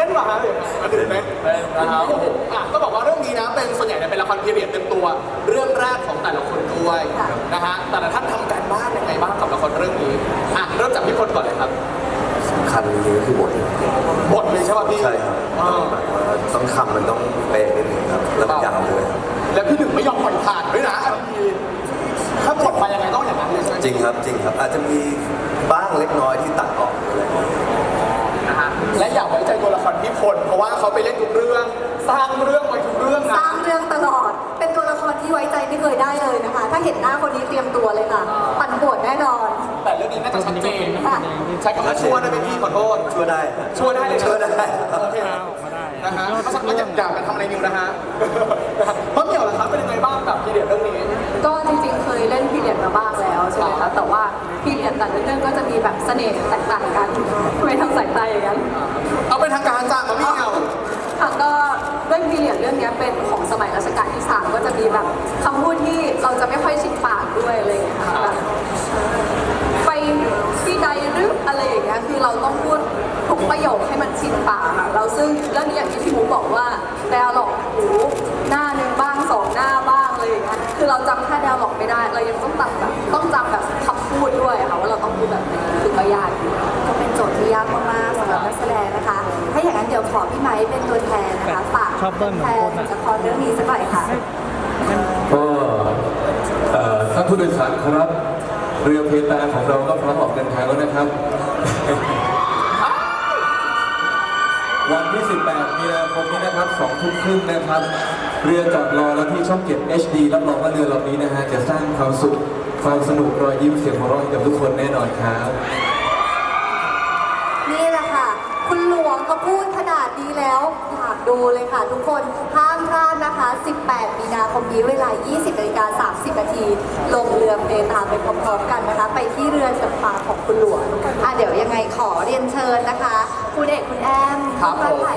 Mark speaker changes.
Speaker 1: นว่ะฮะตื่นเต้นนะครับโอ้โหก็บอกว่าเรื่องนี้นะเป็นส่วนใหญ่เป็นละครพีเรียดเต็มตัวเรื่องแรกของแต่ละคนด้วยนะฮะแต่ละท่านทำการบ้านยังไงบ้างกับละครเรื่องนี้เริ่มจากพี่พลก่อนเลยครับ
Speaker 2: สำคัญจริงๆก็คือบท
Speaker 1: เลยใช่ป่ะพี่
Speaker 2: ใช่ครับต้องคำมันต้องเป๊ะนิดนึงครับแล้วยาวเลยครับ
Speaker 1: แล้วพี่หนึ่งไม่ยอมปล่อยผ่านด้วยนะถ้าบทมายังไงต้องอย่างนั้นเลยใช่ไหม
Speaker 2: จริงครับอาจจะมีบ้างเล็กน้อยที่ตัดออกอะไร
Speaker 1: นะฮะและอย่าไว้ใจตัวละครพี่พลเพราะว่าเขาไปเล่นทุกเรื่องสร้างเรื่องไว้ทุกเรื่องนะ
Speaker 3: สร้างเรื่องตลอดเป็นตัวละครที่ไว้ใจไม่เคยได้เลยนะคะถ้าเห็นหน้าคนนี้เตรียมตัวเลยค่ะปั่นป่วนแน่นอน
Speaker 1: แต่เรื่องนี้น่าจะชัดเจนใช้คำว่าชั่วได้ไหมพี่ขอโทษ
Speaker 2: ชั่วได้
Speaker 1: เลย
Speaker 2: ชั่วได้
Speaker 1: โอเคนะฮะเขาสักอยากไปทำอะไรนิวนะฮะเพราะเกี่ยวเหรอครับเป็นยังไงบ้างกับพีเรียดเรื่องนี้
Speaker 3: ก็จริงๆเคยเล่นพีเรียดมาบ้างแล้วใช่ไหมคะแต่ว่าพีเรียดแต่ละเรื่องก็จะมีแบบเสน่ห์แตกต่างกันไม่ทำสายตาอย่างนั้น
Speaker 1: เอาเป็นทางการจ้างมาพี่เอา
Speaker 3: ค่ะก็เรื่องพีเรียดเรื่องนี้เป็นของสมัยรัชกาลที่3ก็จะมีแบบคำพูดที่เราจะไม่ค่อยชินปากด้วยอะไรอย่างเงี้ยค่ะแบบไปที่ใดหรืออะไรอย่างเงี้ยคือเราต้องพูดทุกประโยคให้มันชินปากเราซึ่งเรื่องนี้อย่างที่พี่หมูบอกว่าแดร์ล็อกหูหน้าหนึ่งบ้าง2 หน้าบ้างอะไรอย่างเงี้ยคือเราจำแค่แดร์ล็อกไม่ได้เรายังต้องจำแบบคำพูดด้วยค่ะว่าเราต้องพูดแบบไหนคือก็ยากก็เป็นโจทย์ที่ยากมากๆสำหรับนักแสดงนะคะถ้าอย่างนั้นเดี๋ยวขอพี่ไม้เป็นตัวแทนนะคะฝากแทนละครเรื่องนี้สักหน่อยค่ะ
Speaker 4: ก็ท่านผู้โดยสารครับเรือเพตาของเราก็พร้อมออกเดินทางแล้วนะครับวันที่ 18 มีนาคมนี้นะครับ2 ทุ่มครึ่งนะครับเรือจอดรอแล้วที่ช่อง7 HD รับรองว่าเรือลำนี้นะฮะจะสร้างความสุขความสนุกรอยยิ้มเสียงหัวเราะให้กับทุกคนแน่นอนครับ
Speaker 3: นี่แหละค่ะคุณหลวงก็พูดขนาดนี้แล้วอยากดูเลยค่ะทุกคนห้ามพลาดนะคะ18 มีนาคมนี้เวลา 20:30 นาทีลงเรือเพตาไปพร้อมๆกันนะคะไปที่เรือจำปาของคุณหลวงเดี๋ยวยังไงขอเรียนเชิญนะคะคุณเอกคุณแอม